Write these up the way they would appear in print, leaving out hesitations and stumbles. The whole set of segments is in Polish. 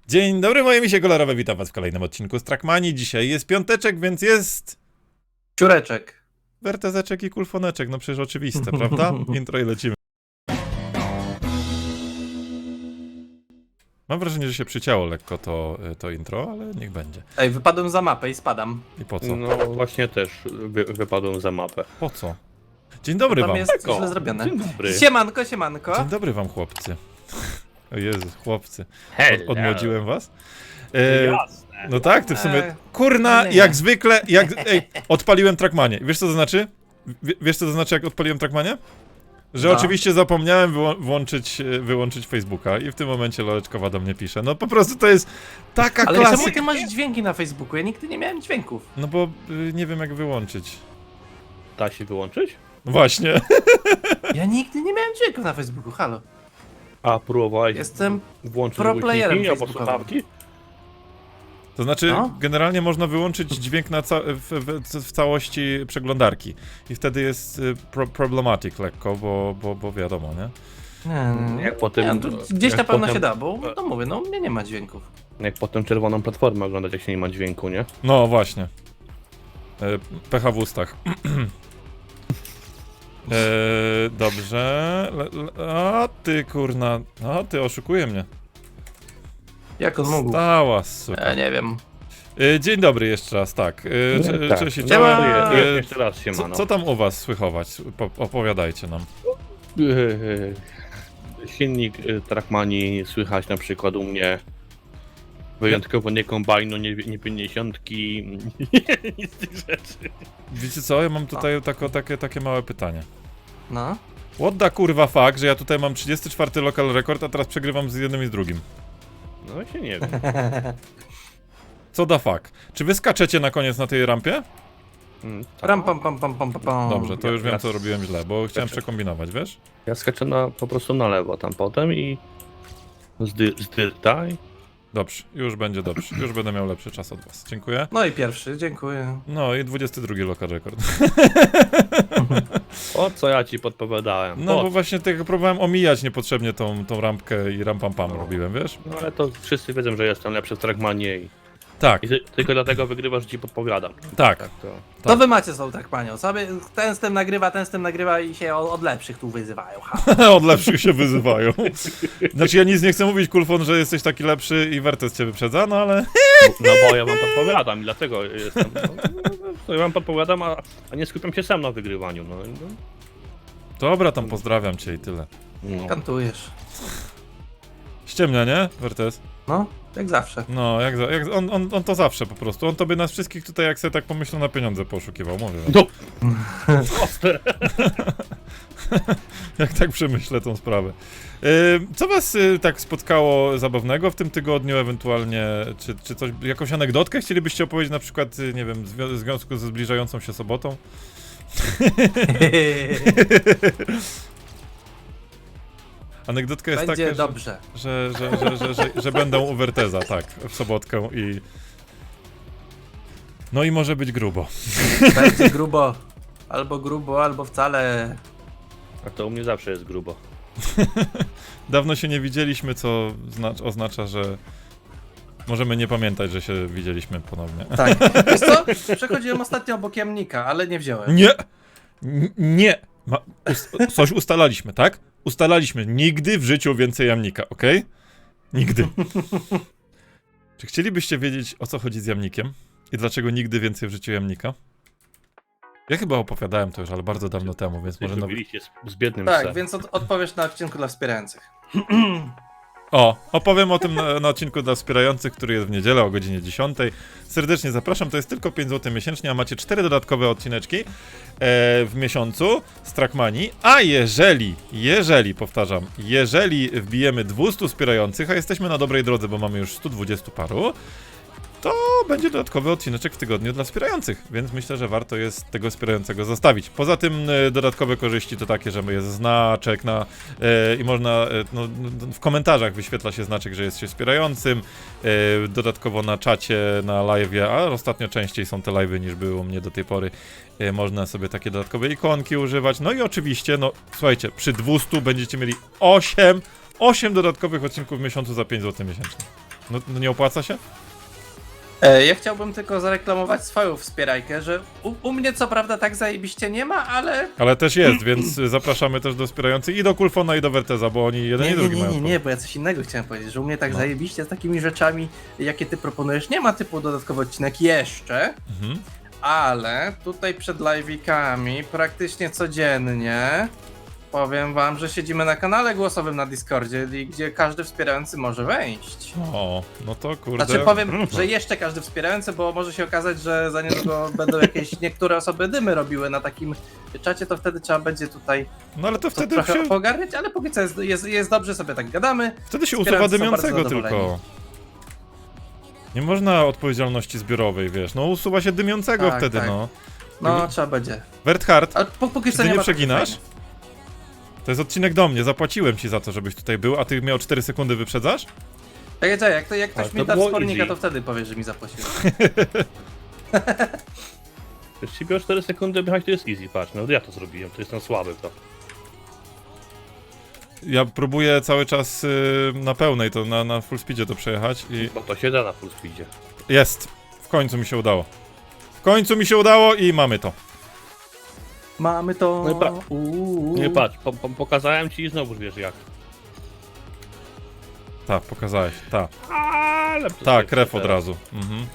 Dzień dobry, moje misie kolorowe, witam was w kolejnym odcinku z Trackmanii. Dzisiaj jest piąteczek, więc jest... Ciureczek. wertezeczek i kulfoneczek, no przecież oczywiste, prawda? Intro i lecimy. Mam wrażenie, że się przycięło lekko to intro, ale niech będzie. Ej, wypadłem za mapę i spadam. I po co? No właśnie też wypadłem za mapę. Po co? Dzień dobry Tam wam. jest Eko. źle zrobione. Dzień dobry. Siemanko, siemanko. Dzień dobry wam, chłopcy. O Jezu, chłopcy. Hello. Odmłodziłem was? Jasne. No tak, ty w sumie... Kurna, nie. jak zwykle, Ej, odpaliłem Trackmanię. Wiesz co to znaczy? Wiesz co to znaczy, jak odpaliłem Trackmanię? Że No. oczywiście zapomniałem wyłączyć Facebooka i w tym momencie Loleczkowa do mnie pisze. No po prostu to jest taka Ale czemu klasyka. ty masz dźwięki na Facebooku? Ja nigdy nie miałem dźwięków. No bo nie wiem jak wyłączyć. Da się wyłączyć? No właśnie. Ja nigdy nie miałem dźwięków na Facebooku, halo. A próbowałeś Jestem włączyć pro playerem głośniki albo facebookowym. słuchawki? To znaczy, No. generalnie można wyłączyć dźwięk w całości przeglądarki. I wtedy jest problematic lekko, bo wiadomo, nie? Nie, Jak potem- nie, to gdzieś jak na pewno potem- się da, bo no mówię, no u mnie nie ma dźwięków. Jak potem czerwoną platformę oglądać, jak się nie ma dźwięku, nie? No właśnie. Pecha w ustach. Dobrze. A ty kurna. A ty oszukuje mnie. Jak on mógł? Stała, suka. Ja nie wiem. Dzień dobry jeszcze raz, tak. Tak. Cześć i Siema. czołem. Jeszcze raz się ma, no. Co tam u was słychować? Opowiadajcie nam. Silnik Trackmanii słychać na przykład u mnie. Wyjątkowo nie kombajnu, nie 50, nic z tych rzeczy. Wiecie co? Ja mam tutaj takie małe pytanie. No. What the kurwa fuck, że ja tutaj mam 34 local record, a teraz przegrywam z jednym i z drugim. No się nie wiem. Co the fuck? Czy wy skaczecie na koniec na tej rampie? Tak. Ram pam pam pam pam pam. Dobrze, to już wiem ja- co robiłem źle, bo chciałem Znaczy- przekombinować, wiesz? Ja skaczę po prostu na lewo tam potem i z dyrta i Dobrze, już będzie dobrze. Już będę miał lepszy czas od was. Dziękuję. No i pierwszy, dziękuję. No i 22 local record. o co ja ci podpowiadałem. No Po bo właśnie tego próbowałem omijać niepotrzebnie tą rampkę i ram pam pam robiłem, wiesz? No ale to wszyscy wiedzą, że jestem lepszy w Trackmanie Tak, i tylko dlatego wygrywasz, że ci podpowiadam. tak. To... Tak. To wy macie są tak panią. Sobie ten z tym nagrywa i się od lepszych tu wyzywają. Ha. Od lepszych się wyzywają. Znaczy ja nic nie chcę mówić, Kulfon, że jesteś taki lepszy i Wertes cię wyprzedza, no ale... No bo ja wam podpowiadam i dlatego jestem. No, ja wam podpowiadam, a nie skupiam się sam na wygrywaniu. No. Dobra, tam pozdrawiam cię i tyle. No. Kantujesz. Ściemnia, nie, Wertes? No, jak zawsze. No, on to zawsze po prostu. On to by nas wszystkich tutaj, jak sobie tak pomyślał, na pieniądze poszukiwał, mówię wam. No. Proste. Jak tak przemyślę tą sprawę. Co was tak spotkało zabawnego w tym tygodniu, ewentualnie, czy coś, jakąś anegdotkę chcielibyście opowiedzieć, na przykład, nie wiem, w związku ze zbliżającą się sobotą? Anegdotka jest Będzie taka, dobrze. że będą u Werteza, tak, w sobotkę i... No i może być grubo. Będzie grubo, albo wcale. A to u mnie zawsze jest grubo. Dawno się nie widzieliśmy, co oznacza, że możemy nie pamiętać, że się widzieliśmy ponownie. Tak. Wiesz co? Przechodziłem ostatnio obok jamnika, ale nie wziąłem. Nie! Nie! Coś ustalaliśmy, tak? Ustalaliśmy. Nigdy w życiu więcej jamnika, okej? Nigdy. Czy chcielibyście wiedzieć, o co chodzi z jamnikiem? I dlaczego nigdy więcej w życiu jamnika? Ja chyba opowiadałem to już, ale bardzo dawno temu, więc może nawet... Mówiliście z biednym Tak, psem. więc odpowiesz na odcinku dla wspierających. O, opowiem o tym na odcinku dla wspierających, który jest w niedzielę o godzinie 10. Serdecznie zapraszam, to jest tylko 5 zł miesięcznie, a macie 4 dodatkowe odcineczki w miesiącu z Trackmanii. A jeżeli wbijemy 200 wspierających, a jesteśmy na dobrej drodze, bo mamy już 120 paru, to będzie dodatkowy odcineczek w tygodniu dla wspierających, więc myślę, że warto jest tego wspierającego zostawić. Poza tym dodatkowe korzyści to takie, że jest znaczek i można, w komentarzach wyświetla się znaczek, że jest się wspierającym, dodatkowo na czacie, na live'ie, a ostatnio częściej są te live'y niż było u mnie do tej pory, można sobie takie dodatkowe ikonki używać, no i oczywiście, no słuchajcie, przy 200 będziecie mieli 8 dodatkowych odcinków w miesiącu za 5 zł miesięcznie. No nie opłaca się? Ja chciałbym tylko zareklamować swoją wspierajkę, że u mnie co prawda tak zajebiście nie ma, ale... Ale też jest, więc zapraszamy też do wspierających i do Kulfona i do Werteza, bo oni jeden i drugi mają. Nie, bo ja coś innego chciałem powiedzieć, że u mnie tak No. zajebiście z takimi rzeczami, jakie ty proponujesz, nie ma typu dodatkowy odcinek jeszcze, Mhm. ale tutaj przed live'ikami praktycznie codziennie powiem wam, że siedzimy na kanale głosowym na Discordzie, gdzie każdy wspierający może wejść. O, no to kurde. Znaczy powiem, że jeszcze każdy wspierający, bo może się okazać, że za niedługo będą jakieś niektóre osoby dymy robiły na takim czacie, to wtedy trzeba będzie tutaj No ale to to wtedy trochę się, pogarniać, ale póki co jest dobrze, sobie tak gadamy. wtedy się usuwa wspierający są dymiącego bardzo tylko. zadowoleni. Nie można odpowiedzialności zbiorowej, wiesz. No usuwa się dymiącego Tak, wtedy, tak. no. No, trzeba będzie. Werthard, Ale póki czy co ty nie nie ma przeginasz? takiej fajnej. To jest odcinek do mnie, zapłaciłem ci za to, żebyś tutaj był, a ty miał 4 sekundy wyprzedzasz? Czekaj, jak ktoś to mi da było spornika, easy. to wtedy powie, że mi zapłacił. Jeśli biorę 4 sekundy wyjechać, to jest easy, patrz, no ja to zrobiłem, to jestem słaby w to. Ja próbuję cały czas na pełnej, to na full speedzie to przejechać i Bo to się da na full speedzie. jest. W końcu mi się udało. W końcu mi się udało i mamy to. Mamy to. No i Nie patrz, pokazałem ci i znowu wiesz jak. Tak, pokazałeś, tak. Ale Tak, krew od razu. Mhm.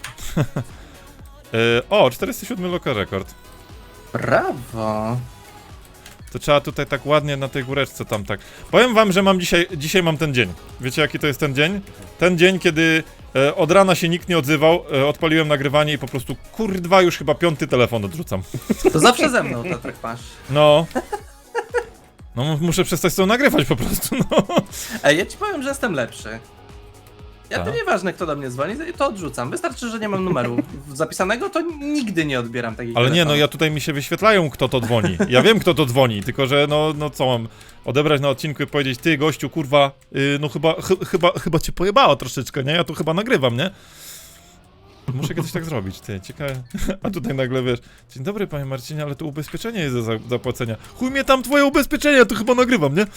O, 407 local record. Brawo. To trzeba tutaj tak ładnie na tej góreczce tam tak. Powiem wam, że mam dzisiaj mam ten dzień. Wiecie jaki to jest ten dzień? Ten dzień, kiedy od rana się nikt nie odzywał, odpaliłem nagrywanie i po prostu kurwa już chyba 5. telefon odrzucam. To zawsze ze mną to tak masz. No. No muszę przestać z tą nagrywać po prostu, no. Ej, ja ci powiem, że jestem lepszy. Ja to Tak. nieważne kto do mnie dzwoni, to odrzucam. Wystarczy, że nie mam numeru zapisanego, to nigdy nie odbieram takich Ale nie, no telefonów. ja tutaj mi się wyświetlają kto to dzwoni. Ja wiem kto to dzwoni, tylko że no co mam odebrać na odcinku i powiedzieć ty gościu kurwa, no chyba cię pojebało troszeczkę, nie? Ja tu chyba nagrywam, nie? Muszę kiedyś tak zrobić, ty, ciekawe. A tutaj nagle wiesz, dzień dobry panie Marcinie, ale to ubezpieczenie jest do zapłacenia. Chuj mnie tam twoje ubezpieczenie, ja tu chyba nagrywam, nie?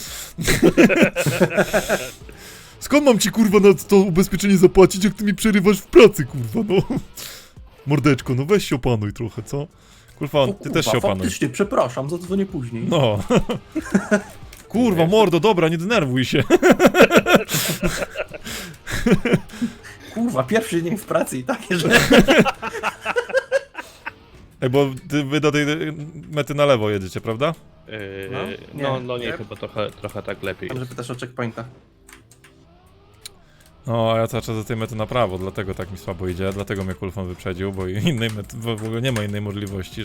Skąd mam ci kurwa na to ubezpieczenie zapłacić, jak ty mi przerywasz w pracy, kurwa, no? Mordeczko, no weź się opanuj trochę, co? Kurwa, O, ty kurwa, też się opanuj. faktycznie, przepraszam, zadzwonię później. No. Kurwa, mordo, dobra, nie denerwuj się. Kurwa, pierwszy dzień w pracy i takie, że... Ej, bo wy do tej mety na lewo jedziecie, prawda? No nie, Nie. chyba trochę tak lepiej. Dobrze pytasz o checkpointa. No, a ja cały czas do tej mety na prawo, dlatego tak mi słabo idzie, dlatego mnie Kulfon wyprzedził, bo innej mety, w ogóle nie ma innej możliwości,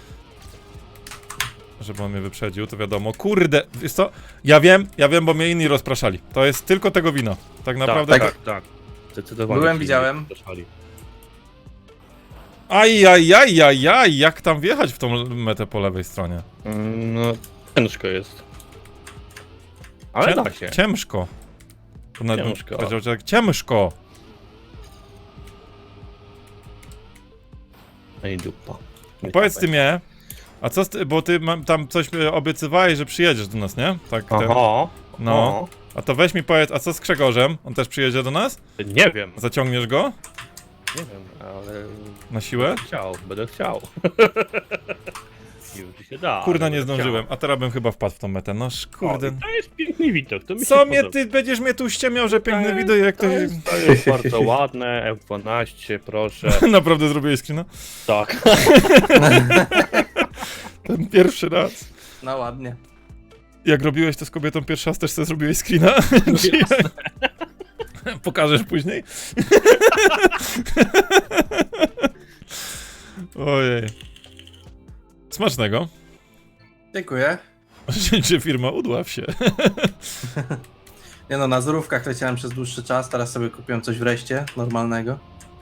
żeby on mnie wyprzedził, to wiadomo. Kurde, wiesz co? Ja wiem, bo mnie inni rozpraszali. To jest tylko tego wina. Tak naprawdę Tak. Zdecydowanie. Byłem, ci widziałem. zapraszali. Ajajajajaj, jak tam wjechać w tą metę po lewej stronie? No, ciężko jest. Ale da się. Ciężko. To nawet bym Ciężko. powiedział, że tak ciężko. No i dupa. Nie Powiedz ty tapaj. mnie, a co bo ty tam coś obiecywałeś, że przyjedziesz do nas, nie? Tak. Aha. No. A to weź mi powiedz, a co z Grzegorzem? On też przyjedzie do nas? Nie wiem. Zaciągniesz go? Nie wiem, ale... Na siłę? Będę chciał. Już się da. Kurde, ale nie będę zdążyłem. A teraz bym chyba wpadł w tą metę. No kurde. Chciał. O, to jest piękny widok, to mi Co się mnie podoba. ty będziesz mnie tu ściemiał, że piękne wideo, jak to jest. To jest bardzo ładne, F12, proszę. Naprawdę zrobiłeś screena? Tak. Ten pierwszy raz. No ładnie. Jak robiłeś to z kobietą pierwszy raz, też sobie zrobiłeś screena? Czy jak? Pokażesz później? Ojej. Smacznego. Dziękuję. Czy firma udław się. Nie no, na zrówkach leciałem przez dłuższy czas, teraz sobie kupiłem coś wreszcie, normalnego.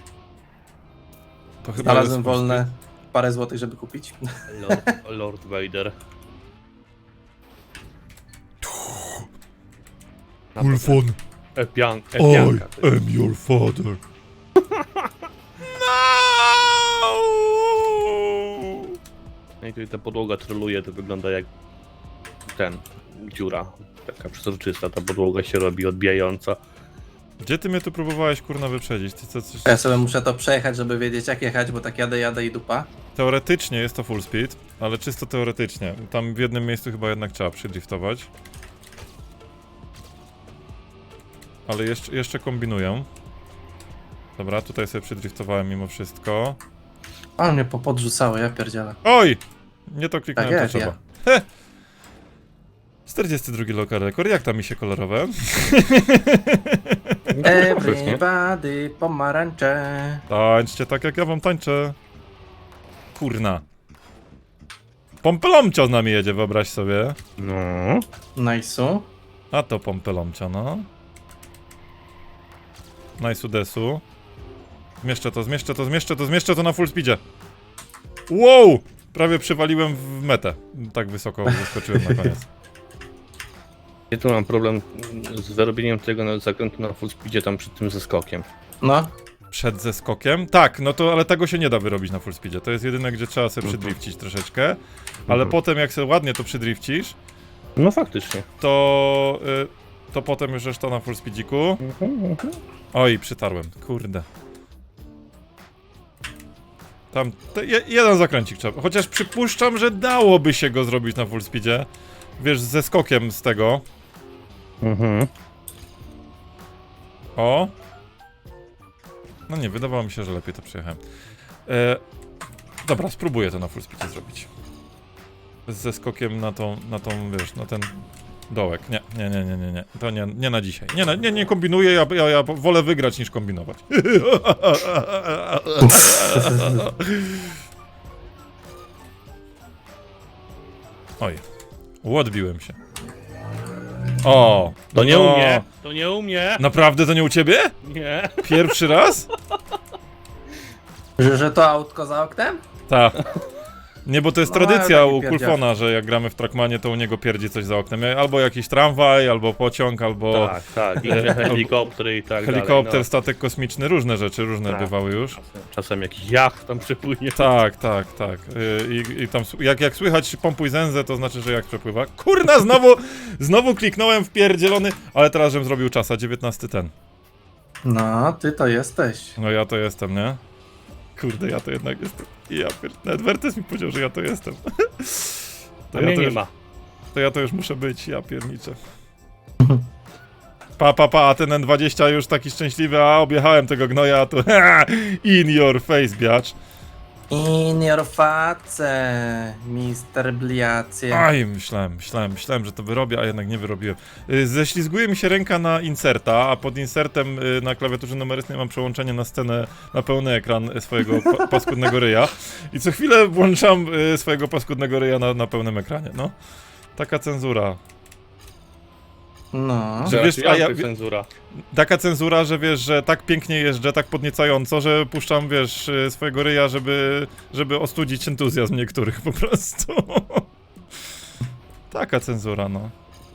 To chyba Znalazłem jest wolne parę złotych, żeby kupić. Lord Vader. Kulfon, Epianka. am your father. No! No i tutaj ta podłoga troluje, to wygląda jak dziura. Taka przezroczysta, ta podłoga się robi odbijająca. Gdzie ty mnie tu próbowałeś, kurna, wyprzedzić? Ty co, coś... Ja sobie muszę to przejechać, żeby wiedzieć jak jechać, bo tak jadę i dupa. Teoretycznie jest to full speed, ale czysto teoretycznie. Tam w jednym miejscu chyba jednak trzeba przydriftować. Ale jeszcze kombinuję. Dobra, tutaj sobie przydriftowałem mimo wszystko. Ale mnie podrzucało, ja pierdzielę. Oj! Nie to kliknąłem, Tak to jest, trzeba. Heh. 42 lokal rekord, jak tam mi się kolorowe? Everybody, pomarańcze. Tańczcie tak jak ja wam tańczę. Kurna. Pompelomcio z nami jedzie, wyobraź sobie. No. Nice'u. A to pompelomcio, no. Nice desu. Zmieszczę to na full speedzie. Wow! Prawie przywaliłem w metę. Tak wysoko zeskoczyłem na koniec. Ja tu mam problem z wyrobieniem tego zakrętu na full speedzie tam przed tym zeskokiem. No. Przed zeskokiem? Tak, no to, ale tego się nie da wyrobić na full speedzie. To jest jedyne, gdzie trzeba sobie przydrifcić troszeczkę. Ale potem jak sobie ładnie to przydrifcisz, No faktycznie. to potem już reszta na full speedziku. Oj, przytarłem, kurde. Tam, jeden zakręcik trzeba. Chociaż przypuszczam, że dałoby się go zrobić na full speedzie. Wiesz, ze skokiem z tego. O. No nie, wydawało mi się, że lepiej to przejechałem. Dobra, spróbuję to na full speedzie zrobić. Ze skokiem na tą, wiesz, na ten dołek. Nie. To nie na dzisiaj. Nie kombinuję, ja wolę wygrać niż kombinować. Oj, odbiłem się. O, To nie no. u mnie! To nie u mnie! Naprawdę to nie u ciebie? Nie! Pierwszy raz? Że to autko za oknem? Tak. Nie, bo to jest No, tradycja taki u pierdziak. Kulfona, że jak gramy w Trackmanie, to u niego pierdzi coś za oknem. Albo jakiś tramwaj, albo pociąg, albo Tak. I helikoptery i tak helikopter, dalej. statek kosmiczny, różne rzeczy, różne Tak. bywały już. Czasem jakiś jacht tam przepłynie. Tak. I tam jak słychać pompuj zęzę, to znaczy, że jak przepływa. Kurna, znowu kliknąłem w pierdzielony, ale teraz żebym zrobił czasa, 19 ten. No, ty to jesteś. No ja to jestem, nie? Kurde, ja to jednak jestem. Nawet Wertes mi powiedział, że ja to jestem. A mnie nie już, ma. to ja to już muszę być, ja pierniczę. A ten N20 już taki szczęśliwy, a objechałem tego gnoja, a tu in your face, biacz. In your face, Mr. Bliacie. Aj, myślałem, że to wyrobię, a jednak nie wyrobiłem. Ześlizguje mi się ręka na inserta, a pod insertem na klawiaturze numerycznej mam przełączenie na scenę, na pełny ekran swojego paskudnego ryja. I co chwilę włączam swojego paskudnego ryja na pełnym ekranie, no. Taka cenzura. No. Że wiesz, cenzura. taka cenzura, że wiesz, że tak pięknie jeżdżę, tak podniecająco, że puszczam, wiesz, swojego ryja, żeby ostudzić entuzjazm niektórych po prostu. Taka cenzura, no.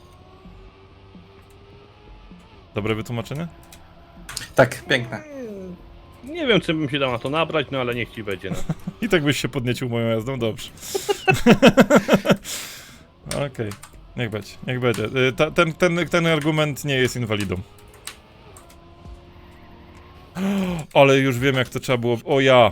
Dobre wytłumaczenie? Tak, piękne. Nie wiem, czy bym się dał na to nabrać, no ale niech ci będzie. No. I tak byś się podniecił moją jazdą, dobrze. Okej, niech będzie. Ten argument nie jest inwalidą. Ale już wiem, jak to trzeba było. O ja!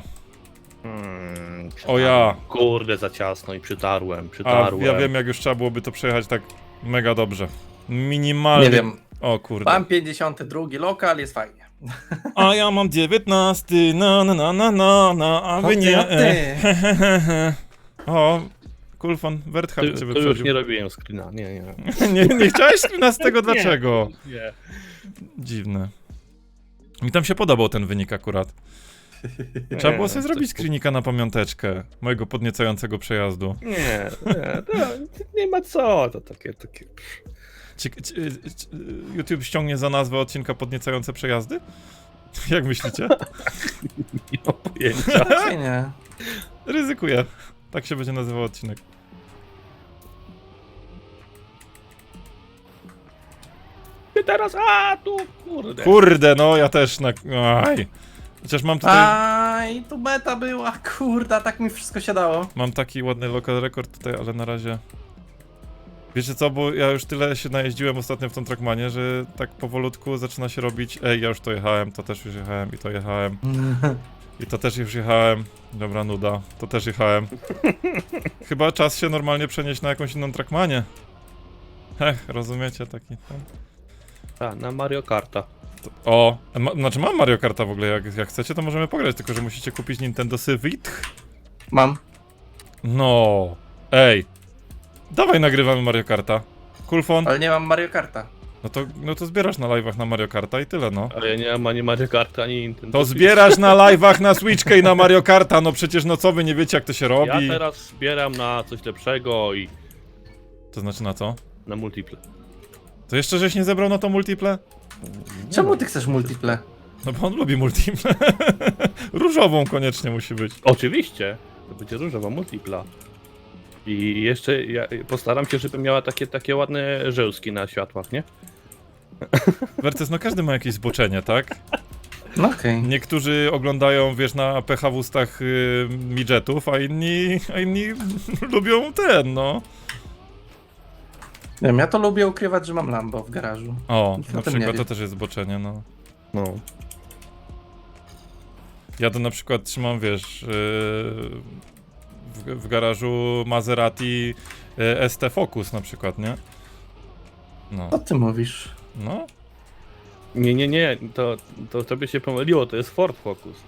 O ja! Kurde, za ciasno i przytarłem. A ja wiem, jak już trzeba byłoby to przejechać tak mega dobrze. Minimalnie. Nie wiem. O kurde. Mam 52 lokal, jest fajnie. A ja mam 19, a wy nie. Ty. O, Kulfon, Werthard cię To już wyprzedził. nie robiłem screena, nie. nie chciałeś screena z tego, dlaczego? Nie. Dziwne. Mi tam się podobał ten wynik akurat. Trzeba było sobie zrobić screenika na pamiąteczkę mojego podniecającego przejazdu. Nie, to nie ma co, to takie... YouTube ściągnie za nazwę odcinka podniecające przejazdy? Jak myślicie? Nie mam pojęcia. Raczej nie. Ryzykuję. Tak się będzie nazywał odcinek. Ty teraz, tu, kurde. Kurde, no ja też Aj. Chociaż mam tutaj... Aj, tu beta była, kurda, tak mi wszystko się dało. Mam taki ładny local record tutaj, ale na razie... Wiecie co, bo ja już tyle się najeździłem ostatnio w tą Trackmanie, że tak powolutku zaczyna się robić, ej, ja już to jechałem, to też już jechałem i to jechałem. I to też już jechałem. Dobra, nuda. To też jechałem. Chyba czas się normalnie przenieść na jakąś inną Trackmanię. Rozumiecie taki tam? A, na Mario Karta. O, znaczy mam Mario Karta w ogóle, jak chcecie to możemy pograć, tylko że musicie kupić Nintendo Switch. Mam. No, ej. Dawaj nagrywamy Mario Karta. Kulfon. Ale nie mam Mario Karta. No to zbierasz na live'ach na Mario Karta i tyle, no. Ale ja nie mam ani Mario Karta, ani Nintendo To Switch. zbierasz na live'ach na Switchkę i na Mario Karta, no przecież no co wy nie wiecie jak to się Ja robi. teraz zbieram na coś lepszego i To znaczy na co? na multiple. To jeszcze żeś nie zebrał na to multiple? Czemu ty chcesz multiple? No bo on lubi multiple. Różową koniecznie musi być. Oczywiście, to będzie różowa multipla. I jeszcze ja postaram się, żeby miała takie ładne żełski na światłach, nie? Wertes, no każdy ma jakieś zboczenie, tak? No okej. Niektórzy oglądają, wiesz, na pecha w ustach midgetów, a inni lubią no. Nie wiem, ja to lubię ukrywać, że mam Lambo w garażu. O, Nikt na o tym nie przykład wie. to też jest zboczenie, no. No. Ja to na przykład trzymam, wiesz, w garażu Maserati ST Focus na przykład, nie? No, Co ty mówisz? no. Nie, to tobie się pomyliło, to jest Ford Focus.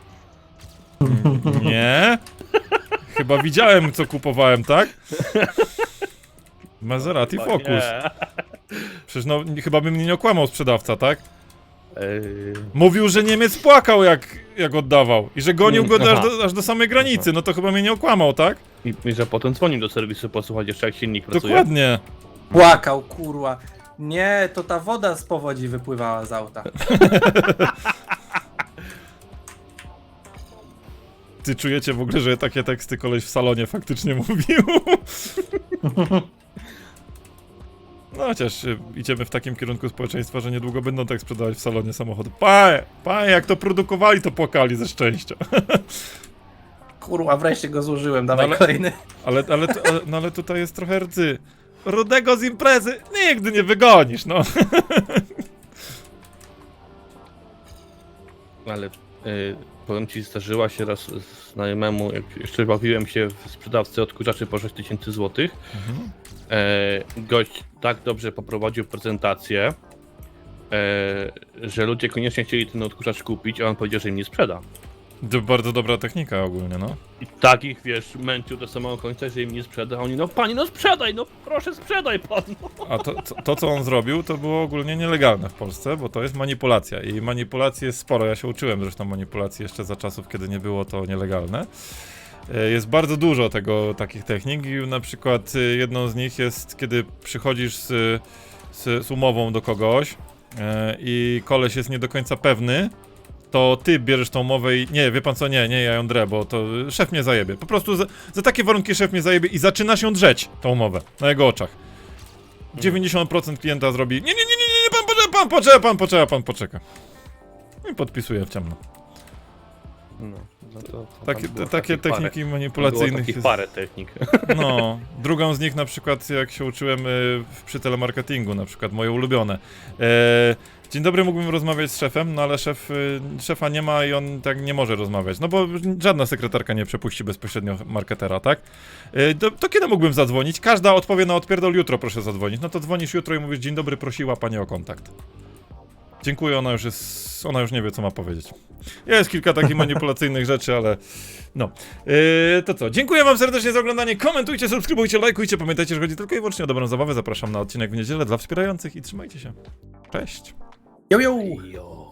Nie? Chyba widziałem, co kupowałem, tak? Maserati Chyba Focus. nie. Przecież no, chyba by mnie nie okłamał sprzedawca, tak? Ej, Mówił, że Niemiec płakał, jak oddawał. I że gonił go Aha. aż do samej granicy. No to chyba mnie nie okłamał, tak? I że potem dzwonił do serwisu posłuchać jeszcze jak silnik pracuje. Dokładnie. Płakał, kurwa. Nie, to ta woda z powodzi wypływała z auta. Ty czujecie w ogóle, że takie teksty koleś w salonie faktycznie mówił? No chociaż idziemy w takim kierunku społeczeństwa, że niedługo będą tak sprzedawać w salonie samochody. Panie, jak to produkowali, to płakali ze szczęścia. Kurwa, wreszcie go zużyłem, dawaj Ale- kolejny. Ale tutaj jest trochę rdzy. Rudego z imprezy nigdy nie wygonisz, no. Ale powiem ci, zdarzyła się raz znajomemu, jak jeszcze bawiłem się w sprzedawcy odkurzaczy po 6000 zł. Gość tak dobrze poprowadził prezentację, że ludzie koniecznie chcieli ten odkurzacz kupić, a on powiedział, że im nie sprzeda. To bardzo dobra technika ogólnie, no. I tak ich, wiesz, męczył do samego końca, że im nie sprzeda, a oni, no pani, no sprzedaj, no proszę sprzedaj pan. No. A to, co on zrobił, to było ogólnie nielegalne w Polsce, bo to jest manipulacja. I manipulacji jest sporo. Ja się uczyłem zresztą manipulacji jeszcze za czasów, kiedy nie było to nielegalne. Jest bardzo dużo takich technik i na przykład jedną z nich jest, kiedy przychodzisz z umową do kogoś i koleś jest nie do końca pewny, to ty bierzesz tą umowę i nie, wie pan co, nie, ja ją drę, bo to szef mnie zajebie. Po prostu za takie warunki szef mnie zajebie i zaczynasz ją drzeć, tą umowę, na jego oczach. 90% klienta zrobi, nie, pan poczeka. I podpisuje w ciemno. No to Takie techniki Było manipulacyjnych takich jest... parę technik. No, drugą z nich na przykład, jak się uczyłem przy telemarketingu, na przykład moje ulubione. Dzień dobry, mógłbym rozmawiać z szefem, no ale szefa nie ma i on tak nie może rozmawiać, no bo żadna sekretarka nie przepuści bezpośrednio marketera, tak? To kiedy mógłbym zadzwonić? Każda odpowie na odpierdol, jutro proszę zadzwonić. No to dzwonisz jutro i mówisz, dzień dobry, prosiła pani o kontakt. Dziękuję, ona już nie wie, co ma powiedzieć. Jest kilka takich manipulacyjnych rzeczy, ale no. To co, dziękuję wam serdecznie za oglądanie, komentujcie, subskrybujcie, lajkujcie, pamiętajcie, że chodzi tylko i wyłącznie o dobrą zabawę, zapraszam na odcinek w niedzielę dla wspierających i trzymajcie się. Cześć! Yo, yo! Jo.